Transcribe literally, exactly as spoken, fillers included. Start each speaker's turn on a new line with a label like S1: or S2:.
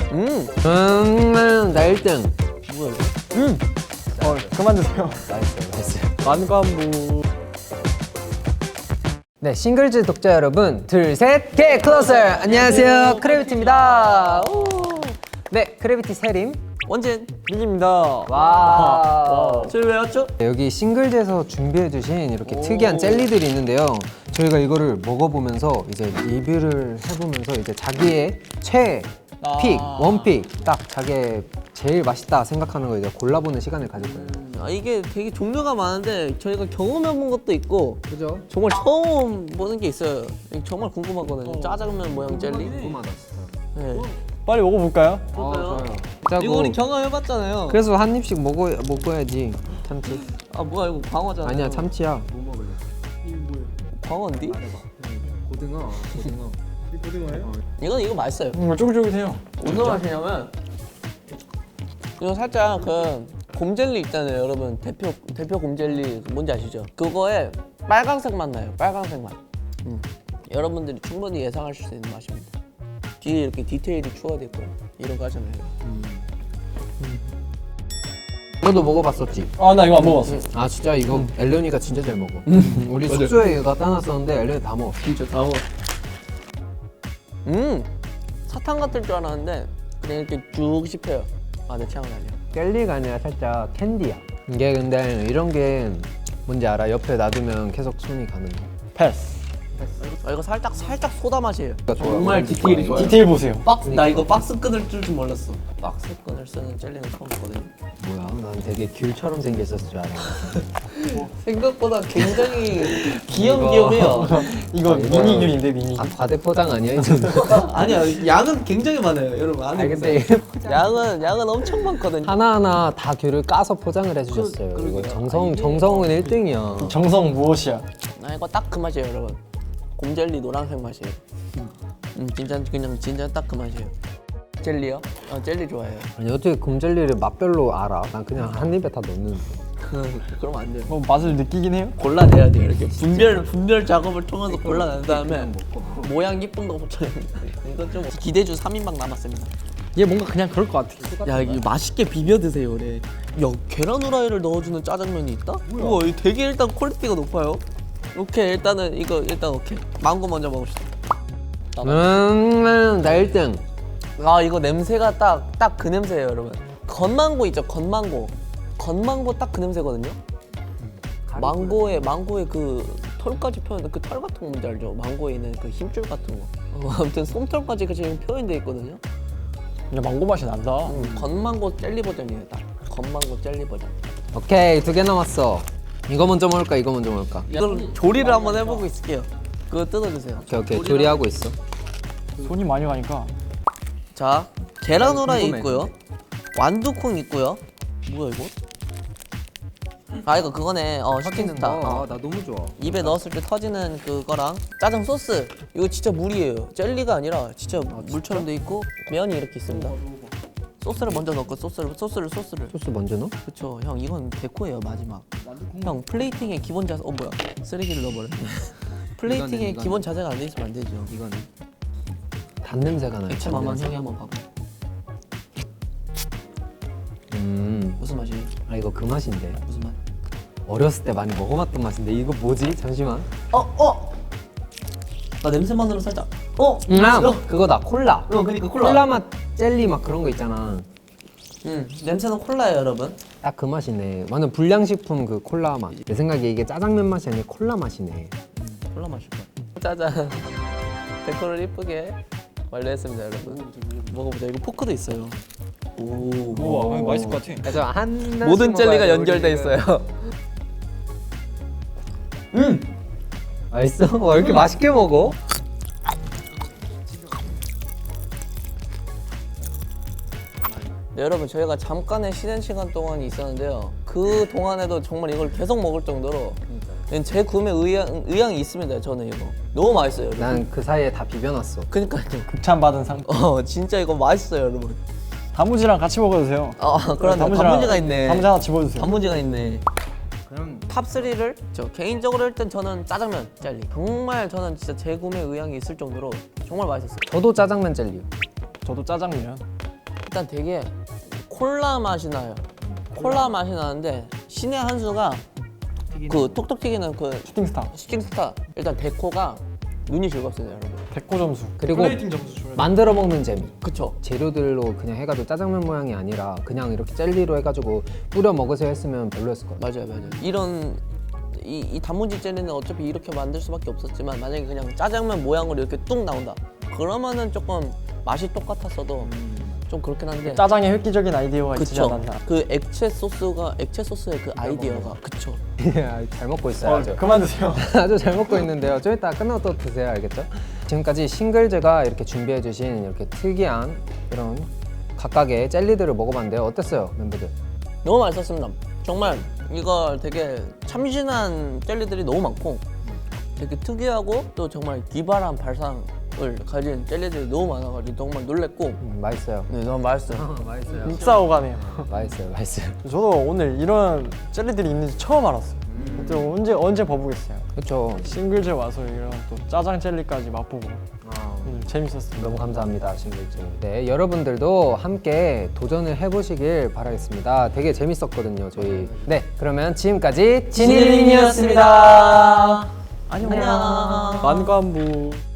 S1: 음,
S2: 음, 나 일 등.
S1: 뭐야 이거?
S3: 음. 어, 그만 드세요.
S2: 맛있어요, 맛있어요.
S3: 만관부.
S2: 네, 싱글즈 독자 여러분, 둘, 셋, get closer! 안녕하세요, 크래비티입니다. 오. 네, 크래비티 세림.
S1: 원진.
S3: 민입니다.
S2: 와.
S1: 저희 왜 왔죠?
S2: 네, 여기 싱글즈에서 준비해주신 이렇게 특이한 젤리들이 있는데요. 저희가 이거를 먹어보면서 이제 리뷰를 해보면서 이제 자기의 최 픽, 원픽, 딱 자기의 제일 맛있다 생각하는 거 이제 골라보는 시간을 가질 거예요.
S1: 아, 이게 되게 종류가 많은데 저희가 경험해본 것도 있고
S2: 그죠?
S1: 정말 처음 보는 게 있어요. 정말 궁금하거든요. 짜장면 모양 젤리.
S2: 궁금하다, 진짜.
S1: 네.
S3: 빨리 먹어볼까요?
S1: 그럴까요?
S2: 짜고.
S1: 이거 우리 경험해봤잖아요.
S2: 그래서 한 입씩 먹어, 먹어야지. 참치.
S1: 아 뭐야 이거 광어잖아.
S2: 아니야, 참치야.
S3: 뭐 먹을래?
S1: 광어인데?
S2: 고등어, 고등어.
S3: 이 고등어예요?
S1: 이건 이거 맛있어요.
S3: 음, 쫄깃쫄깃해요.
S1: 무슨 맛이냐면 이거 살짝 그 곰젤리 있잖아요, 여러분. 대표 대표 곰젤리 뭔지 아시죠? 그거에 빨강색 맛 나요. 빨강색 맛. 음. 여러분들이 충분히 예상하실 수 있는 맛입니다. 뒤에 이렇게 디테일이 추가돼 있고 이런 거 하잖아요.
S2: 너도 먹어봤었지?
S3: 아, 나 이거 안 먹었어.
S2: 아 진짜 이거 엘련이가 진짜 잘 먹어. 우리 숙소에 갖다 놨었는데 엘련이 다 먹었어.
S1: 진짜 다 먹어. 음 사탕 같을 줄 알았는데 그냥 이렇게 쭉 씹혀요. 아, 내 취향은 아니야.
S2: 젤리가 아니라 살짝 캔디야. 이게 근데 이런 게 뭔지 알아? 옆에 놔두면 계속 손이 가는 거.
S3: 패스.
S1: 아, 이거 살짝 살짝 소다 맛이에요.
S2: 그러니까 좋아.
S1: 정말 디테일이 좋아요.
S3: 디테일 보세요.
S1: 박스 나 이거 박스 끈을 줄 줄 몰랐어. 박스 끈을 쓰는 젤리는 처음 봤거든요.
S2: 뭐야? 난 되게 귤처럼 생겼었을 줄 알았는데.
S1: 생각보다 굉장히 귀염귀염해요.
S3: 이거 미니 귤인데 미니.
S2: 아 과대 포장 아니야 이 정도?
S1: 아니야, 양은 굉장히 많아요, 여러분. 안에
S2: 아 근데
S1: 양은 양은 엄청 많거든요.
S2: 하나하나 다 귤을 까서 포장을 해주셨어요.
S1: 그-
S2: 이거
S1: 그러게요.
S2: 정성 정성은 일 등이야.
S3: 정성 무엇이야?
S1: 나 이거 딱 그 맛이에요, 여러분. 곰젤리 노란색 맛이에요. 음, 진짜 그냥 진짜 딱 그 맛이에요. 젤리요? 아, 젤리 좋아해요.
S2: 아니 어떻게 곰젤리를 맛별로 알아? 난 그냥 한 입에 다 넣는데.
S1: 그러면 안 돼요.
S3: 뭐 맛을 느끼긴 해요?
S1: 골라내야 돼요. 이렇게 분별 분별 작업을 통해서 골라낸 다음에 모양 예쁜 거 붙여요. 이건 좀 기대주 삼 인방 남았습니다.
S3: 얘 뭔가 그냥 그럴 것 같아.
S1: 야, 이거 맛있게 비벼 드세요, 그래. 야, 계란 후라이를 넣어주는 짜장면이 있다? 우와, 이거 되게 일단 퀄리티가 높아요. 오케이, 일단은 이거 일단 오케이. 망고 먼저 먹읍시다.
S2: 음, 나 일 등.
S1: 아, 이거 냄새가 딱 딱 그 냄새예요, 여러분. 건망고 있죠, 건망고. 건망고 딱 그 냄새거든요. 망고의 망고의 그 털까지 표현, 그 털 같은 거 뭔지 알죠? 망고에 있는 그 힘줄 같은 거. 어, 아무튼 솜털까지 그 지금 표현돼 있거든요.
S3: 근데 망고 맛이 난다.
S1: 음, 건망고 젤리 버전이에요, 딱. 건망고 젤리 버전.
S2: 오케이 두 개 남았어. 이거 먼저 먹을까? 이거 먼저 먹을까?
S1: 이걸 조리를 한번 해보고 있을게요. 그거 뜯어주세요.
S2: 오케이 오케이 조리하고 있어.
S3: 손이 많이 가니까.
S1: 자, 계란 후라이
S2: 궁금해,
S1: 있고요. 완두콩 있고요. 뭐야 이거? 아, 이거 그거네. 어, 치킨스타. 어.
S2: 나 너무 좋아.
S1: 입에 넣었을 때 터지는 그거랑 짜장 소스. 이거 진짜 물이에요. 젤리가 아니라 진짜 물처럼 돼 있고 면이 이렇게 있습니다. 소스를 먼저 넣고 소스를 소스를 소스를.
S2: 소스 먼저 넣어?
S1: 그쵸, 형 이건 데코예요, 마지막. 형 플레이팅의 기본 자세. 어 뭐야? 쓰레기를 넣어버렸네. 플레이팅의
S2: 이거는-
S1: 기본 자세가 안 돼 있으면 안 되죠.
S2: 이거는 단 냄새가 나요.
S1: 액체
S2: 단
S1: 맛만
S2: 냄새.
S1: 형이 한번 봐봐.
S2: 음,
S1: 무슨 맛이에요?
S2: 아 이거 그 맛인데.
S1: 무슨 맛?
S2: 어렸을 때 많이 먹어봤던 맛인데 이거 뭐지? 잠시만.
S1: 어 어. 나 냄새만으로 살짝. 어.
S2: 음, 아, 그거다 콜라.
S1: 어, 그러니까 콜라.
S2: 콜라 맛 젤리 막 그런 거 있잖아.
S1: 음, 냄새는 콜라예요, 여러분.
S2: 딱 그 맛이네. 완전 불량식품 그 콜라 맛. 내 생각에 이게 짜장면 맛이 아니라 콜라 맛이네.
S1: 콜라 마실 거야. 짜잔. 데코를 이쁘게 완료했습니다, 여러분. 먹어보자. 이거 포크도 있어요. 오.
S3: 우와, 맛있을 것 같아.
S2: 그래서 한
S1: 모든 젤리가 연결돼 있어요.
S2: 음. 맛있어? 와 이렇게 맛있게 먹어?
S1: 네, 여러분, 저희가 잠깐의 쉬는 시간 동안이 있었는데요. 그 동안에도 정말 이걸 계속 먹을 정도로 제 구매 의향, 의향이 있습니다. 저는 이거 너무 맛있어요, 여러분.
S2: 난 그 사이에 다 비벼놨어.
S1: 그니까요.
S3: 극찬 받은 상품.
S1: 어, 진짜 이거 맛있어요, 여러분.
S3: 단무지랑 같이 먹어도 돼요.
S1: 아, 그런데
S3: 단무지랑-
S1: 단무지가 있네.
S3: 단무지 하나 집어주세요.
S1: 단무지가 있네.
S2: 그럼
S1: 탑삼을 저 개인적으로 일단 저는 짜장면 젤리. 정말 저는 진짜 재구매 의향이 있을 정도로 정말 맛있었어요.
S2: 저도 짜장면 젤리요.
S3: 저도 짜장면.
S1: 일단 되게 콜라 맛이 나요. 콜라 맛이 나는데 신의 한 수가 그 톡톡 튀기는 그
S3: 슈팅스타.
S1: 슈팅스타 일단 데코가 눈이 즐겁습니다, 여러분.
S3: 백호 점수.
S2: 그리고
S3: 플레이팅 점수 줘야 돼.
S2: 만들어 먹는 재미.
S1: 그쵸?
S2: 재료들로 그냥 해가지고 짜장면 모양이 아니라 그냥 이렇게 젤리로 해가지고 뿌려 먹으세요 했으면 별로였을 것 같아요.
S1: 맞아요, 맞아요. 이런 이, 이 단무지 젤리는 어차피 이렇게 만들 수밖에 없었지만 만약에 그냥 짜장면 모양으로 이렇게 뚝 나온다. 그러면은 조금 맛이 똑같았어도 좀 그렇긴 한데.
S3: 짜장의 획기적인 아이디어가 있지
S1: 그쵸?
S3: 않았나.
S1: 그 액체 소스가 액체 소스의 그 아이디어가 그쵸?
S2: 잘 먹고 있어요.
S3: 어,
S2: 아주.
S3: 그만 드세요.
S2: 아주 잘 먹고 있는데요. 좀 이따 끝나고 또 드세요. 알겠죠? 지금까지 싱글즈가 이렇게 준비해주신 이렇게 특이한 이런 각각의 젤리들을 먹어봤는데요. 어땠어요, 멤버들?
S1: 너무 맛있었습니다. 정말 이거 되게 참신한 젤리들이 너무 많고 되게 특이하고 또 정말 기발한 발상을 가진 젤리들이 너무 많아가지고 정말 놀랬고
S2: 음, 맛있어요.
S1: 네 너무 맛있어요.
S2: 맛있어요.
S3: 진짜 오가네요.
S2: 맛있어요. 맛있어요.
S3: 저도 오늘 이런 젤리들이 있는지 처음 알았어요. 또 언제 언제 봐보겠어요.
S2: 그렇죠.
S3: 싱글즈 와서 이런 또 짜장 젤리까지 맛보고
S2: 아,
S3: 오늘 재밌었습니다.
S2: 너무 감사합니다, 싱글즈. 네, 여러분들도 함께 도전을 해보시길 바라겠습니다. 되게 재밌었거든요, 저희. 네, 그러면 지금까지 진일린이었습니다.
S1: 안녕.
S3: 만관부.